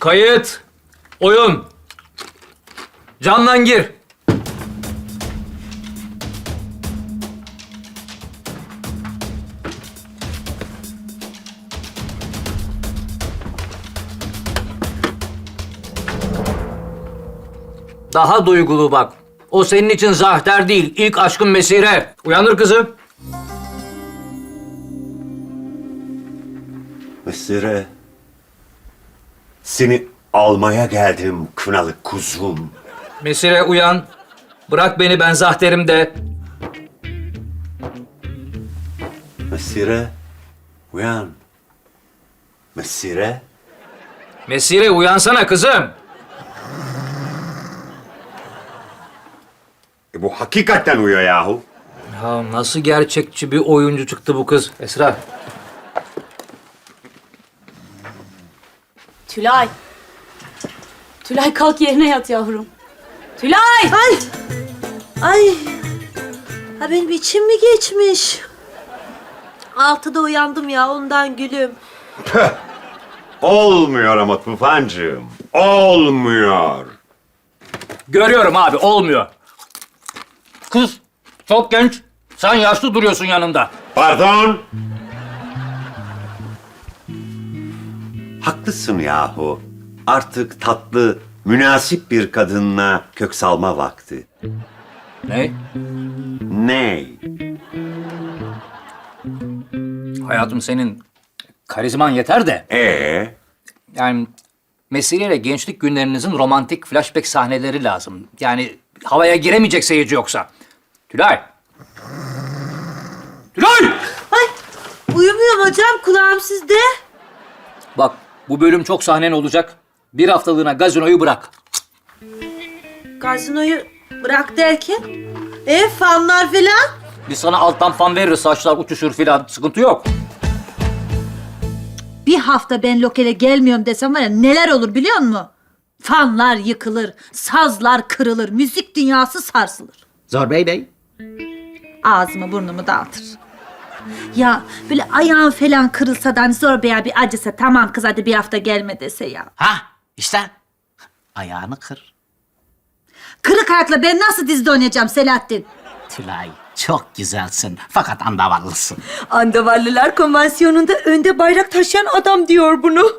Kayıt. Oyun. Candan gir. Daha duygulu bak. O senin için Zahter değil, ilk aşkın Mesire. Uyandır kızı. Mesire, seni almaya geldim kınalı kuzum. Mesire uyan. Bırak beni, ben Zahter'im de. Mesire, uyan. Mesire, Mesire uyansana kızım. bu hakikaten uyuyor yahu. Ya nasıl gerçekçi bir oyuncu çıktı bu kız Esra. Tülay. Tülay kalk yerine yat yavrum. Tülay! Ay! Ay! Ha benim içim mi geçmiş? 6'da uyandım ya ondan gülüm. Olmuyor ama Tufancığım, olmuyor. Görüyorum abi, olmuyor. Kız çok genç. Sen yaşlı duruyorsun yanında. Pardon. Haklısın yahu. Artık tatlı, münasip bir kadınla kök salma vakti. Ne? Ney? Hayatım senin karizman yeter de. Yani Mesire ile gençlik günlerinizin romantik flashback sahneleri lazım. Yani havaya giremeyecek seyirci yoksa. Tülay! Tülay! Ay! Uyumuyorum hocam kulağım sizde. Bak bu bölüm çok sahnen olacak. Bir haftalığına gazinoyu bırak. Gazinoyu bırak derken? Fanlar falan? Biz sana alttan fan veririz, saçlar uçuşur filan. Sıkıntı yok. Bir hafta ben lokale gelmiyorum desem var ya neler olur biliyor musun? Fanlar yıkılır, sazlar kırılır, müzik dünyası sarsılır. Zor Bey. Ağzımı burnumu dağıtır. Ya böyle ayağın falan kırılsa da hani Zor Bey'e bir acısa tamam kız hadi bir hafta gelme dese ya. Ha işte ayağını kır. Kırık ayakla ben nasıl dizide oynayacağım Selahattin? Tülay çok güzelsin fakat andavallısın. Andavallılar konvansiyonunda önde bayrak taşıyan adam diyor bunu.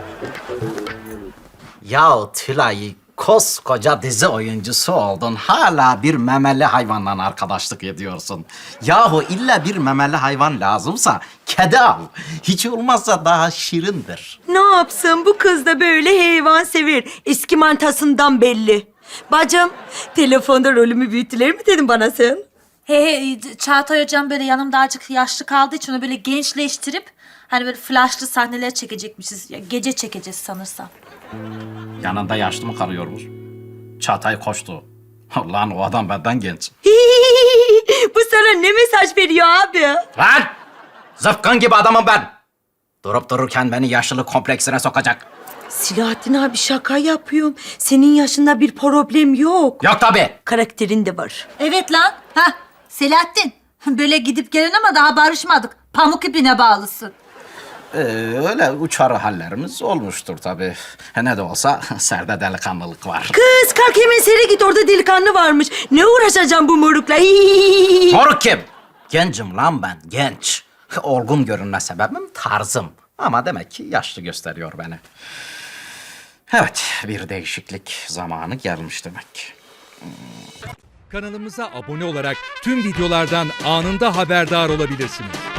Yahu Tülay koskoca dizi oyuncusu oldun. Hala bir memeli hayvanla arkadaşlık ediyorsun. Yahu illa bir memeli hayvan lazımsa kedi al. Hiç olmazsa daha şirindir. Ne yapsın bu kız da böyle hayvan sever. Eski mantasından belli. Bacım, telefonda rolümü büyüttüler mi dedin bana sen? He Çağatay hocam böyle yanımda azıcık yaşlı kaldığı için onu böyle gençleştirip hani böyle flashlı sahneler çekecekmişiz. Ya, gece çekeceğiz sanırsam. Yanında yaşlı mı kalıyormuş? Çağatay koştu. Lan o adam benden genç. Bu sana ne mesaj veriyor abi? Lan! Zıpkın gibi adamım ben. Durup dururken beni yaşlılık kompleksine sokacak. Silahattin abi şaka yapıyorum. Senin yaşında bir problem yok. Yok tabii. Karakterin de var. Evet lan. Ha Selahattin. Böyle gidip gelen ama daha barışmadık. Pamuk ipine bağlısın. Öyle uçarı hallerimiz olmuştur tabii. Ne de olsa serde delikanlılık var. Kız kalk hemen sere git orada delikanlı varmış. Ne uğraşacağım bu morukla? Moruk kim? Gencim lan ben, genç. Olgun görünme sebebim tarzım. Ama demek ki yaşlı gösteriyor beni. Evet, bir değişiklik zamanı gelmiş demek. Kanalımıza abone olarak tüm videolardan anında haberdar olabilirsiniz.